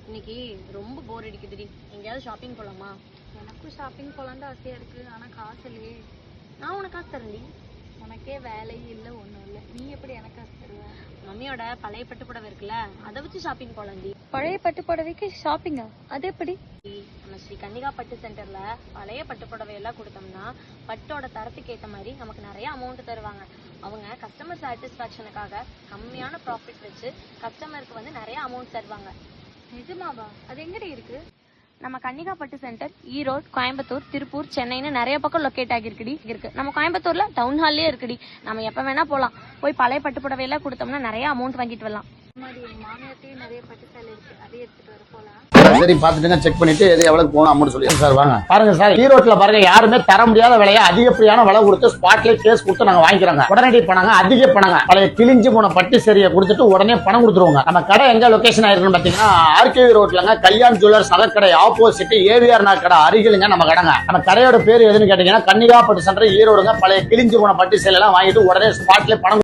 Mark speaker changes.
Speaker 1: இன்னைக்கு ரொம்ப போர் அடிக்குதுடி. எங்கேயாவது ஷாப்பிங் போலாமா?
Speaker 2: எனக்கும் ஷாப்பிங் போலான்னு ஆசையா இருக்கு. ஆனா காசு இல்லையே.
Speaker 1: நான் உனக்கு காசு தரேன்டி.
Speaker 2: உனக்கே வேலையும் இல்லை ஒன்றும் இல்லை, நீ எப்படி எனக்கு காசு தருவ?
Speaker 1: மம்மியோட பழைய பட்டு புடவை இருக்குல்ல, அதை வச்சு ஷாப்பிங் போலாம்டி.
Speaker 2: பழைய பட்டு புடவைக்கு ஷாப்பிங்கா? அது எப்படி?
Speaker 1: நம்ம ஸ்ரீ கன்னிகா பட்டு சென்டர்ல பழைய பட்டு புடவை எல்லாம் கொடுத்தோம்னா பட்டோட தரத்துக்கு ஏற்ற மாதிரி நமக்கு நிறைய அமௌண்ட் தருவாங்க. அவங்க கஸ்டமர் சாட்டிஸ்ஃபேக்ஷனுக்காக கம்மியான ப்ராஃபிட் வச்சு கஸ்டமருக்கு வந்து நிறைய அமௌண்ட் தருவாங்க.
Speaker 2: நிஜமாவா? அது எங்கடி இருக்கு?
Speaker 1: நம்ம கன்னிகா பட்டு சென்டர் ஈரோடு, கோயம்புத்தூர், திருப்பூர், சென்னைன்னு நிறைய பக்கம் லொக்கேட் ஆகிருக்குடி. இருக்கு நம்ம கோயம்புத்தூர்ல டவுன் ஹால்லே இருக்குடி. நம்ம எப்ப வேணா போலாம். போய் பழைய பட்டு புடவை எல்லாம் கொடுத்தோம்னா நிறைய அமௌண்ட் வாங்கிட்டு வரலாம்.
Speaker 2: மாதிரி எங்க மாமியார்ட்டையும் நிறைய பட்டு சேலை இருக்கு, அதை எடுத்துட்டு வர போலாம்.
Speaker 3: சரி பாத்துட்டுங்க, செக் பண்ணிட்டு எது எவ்வளவு போகணும் அமௌண்ட் சொல்லி சார் வாங்க. பாருங்க சார், ஈரோட்ல பாருங்க யாருமே தர முடியாத விலையை அதிகப்படியான விலை கொடுத்து ஸ்பாட்ல கேஸ் கொடுத்து நாங்க வாங்கிக்கிறாங்க. உடனடி பணங்க, அதிக பணங்க. பழைய கிழிஞ்சு போன பட்டு சரியை கொடுத்துட்டு உடனே பணம் கொடுத்துருவாங்க. நம்ம கடை எங்க லொகேஷன் ஆயிருக்குன்னு பாத்தீங்கன்னா ஆர்கேவி ரோட்லங்க, கல்யாண் ஜுவல்லர்ஸ் நகைக்கடை ஆப்போசிட் ஏவிஆர் நகைக்கடை அருகிலுங்க நம்ம கடைங்க. நம்ம கடையோட பேர் எதுன்னு கேட்டீங்கன்னா கன்னிகா பட்டு சென்டர் ஈரோடுங்க. பழைய கிழிஞ்சு போன பட்டு சேலை எல்லாம் வாங்கிட்டு உடனே ஸ்பாட்ல பணம்